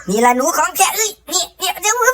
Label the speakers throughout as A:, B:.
A: นี่ละหนูของแท้นี่เดี๋ยว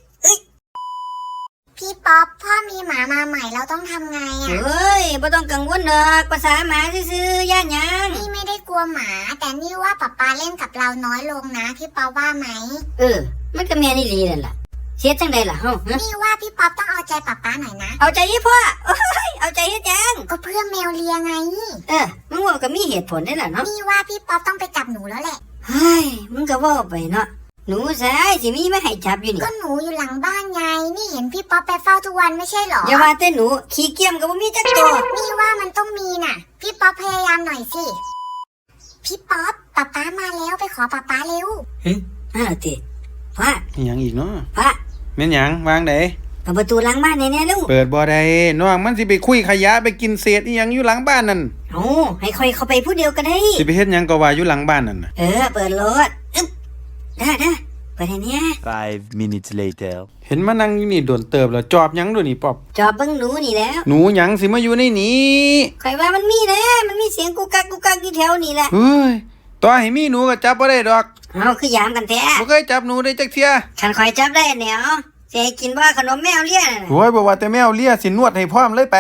B: พี่ป๊อปพ่อมีหมามาใหม่เราต้องทำไงอ่ะ
A: เฮ้ยบ่ต้องกังวลดอกภาษาหมาซื่อๆย่านหยัง
B: นี่ไม่ได้กลัวหมาแต่นี่ว่าป๊าเล่นกับเราน้อยลงนะพี่ป๊อปว่าไหม
A: มันก็แม่นี่ลีนั่นล่ะเสียจังได๋ล่ะเฮา
B: นี่ว่าพี่ป๊อปต้องเอาใจป๊าหน่อยนะ
A: เอาใจอีพ่อโอ้ยเอาใจเฮ็ดหยัง
B: ก็เพื่อแมวเลียไง
A: มึงว่าก็มีเหตุผลได้ล่ะเนาะ
B: นี่ว่าพี่ป๊อปต้องไปจับหนูแล้วแหละ
A: เฮ้ยมึงก็ว่าไปเนาะหนูสายสิมีมาให้จับอยู่นี่
B: ก็หนูอยู่หลังบ้านไงนี่เห็นพี่ป๊อปไปเฝ้าทุกวันไม่ใช่หรอ
A: อย่าว่าแต่หนูขี้เกียจก็บ่มีจักตัว
B: นี่ว่ามันต้องมีน่ะพี่ป๊อปพยายามหน่อยสิพี่ป๊อปป๊ามาแล้วไปขอป๊าเร็ว
A: ติพ่อ
C: หยังอีกเนาะ
A: พ่อ
C: แม่นหยังวางได
A: เปิดประตูหลังบ้านแน่ๆลูก
C: เปิดบ่ได้น้องมันสิไปคุยขยะไปกินเศษอีหยังอยู่หลังบ้านนั่น
A: ให้ค่อยเข้าไปผู้เดียวก็ได้
C: สิไปเฮ็ดหยังก็ว่าอยู่หลังบ้านนั่นน่ะ
A: เปิดรถได้เปิดให้เนี่ย
D: 5 minutes later
C: เห็นมานั่งอยู่นี่โดนเติบแล้วจอบหยังด้วยนี่ป๊อบ
A: จอบเบิ่งหนูนี่แล้ว
C: หนูหยังสิมาอยู่ในนี้
A: ข่อยว่ามันมีมันมีเสียงกุกกักอยู่แถวนี่แหละ
C: เฮ้ยต่อให้มีหนูก็จับบ่ได้ดอก
A: คือยามกันแท้
C: บ่เคยจับหนูได้จักเที่ย
A: คันข่อยจับได้แนวสิให้กินว่าขนมแมวเลียน่ะ
C: โอ้ยบ่ว่าแต่แมวเลียสินวดให้พร้อมเลยไป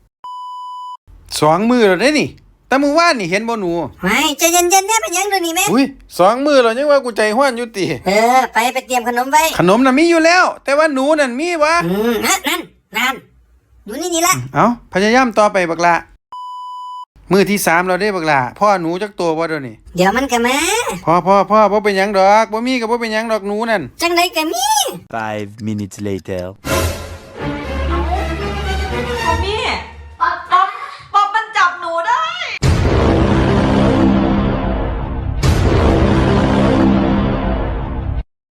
C: 2 มื้อแล้วเด้นี่แต่มื้อวานนี่เห็นบ่หนู
A: ไม่ใจเย็นๆแน่เป็นหยังเดี๋ยวนี้แม่
C: อุ้ย2 มื้อแล้วยังว่ากูใจร้อนอยู่ติ
A: ไปเตรียมขนมไว้
C: ขนมน่ะมีอยู่แล้วแต่ว่าหนูนั่นมีวะ
A: นั่นอยู่นี่ละ
C: เอาพยายามต่อไปบักละมื้อที่3เราได้บักละพ่อหนูจักตัวบ่เดี๋ยวนี้
A: เดี๋ยวมันก็มา
C: พ่อบ่เป็นหยังดอกบ่มีก็บ่เป็นหยังดอกหนูนั่น
A: จังได๋ก็มี
D: 5 minutes later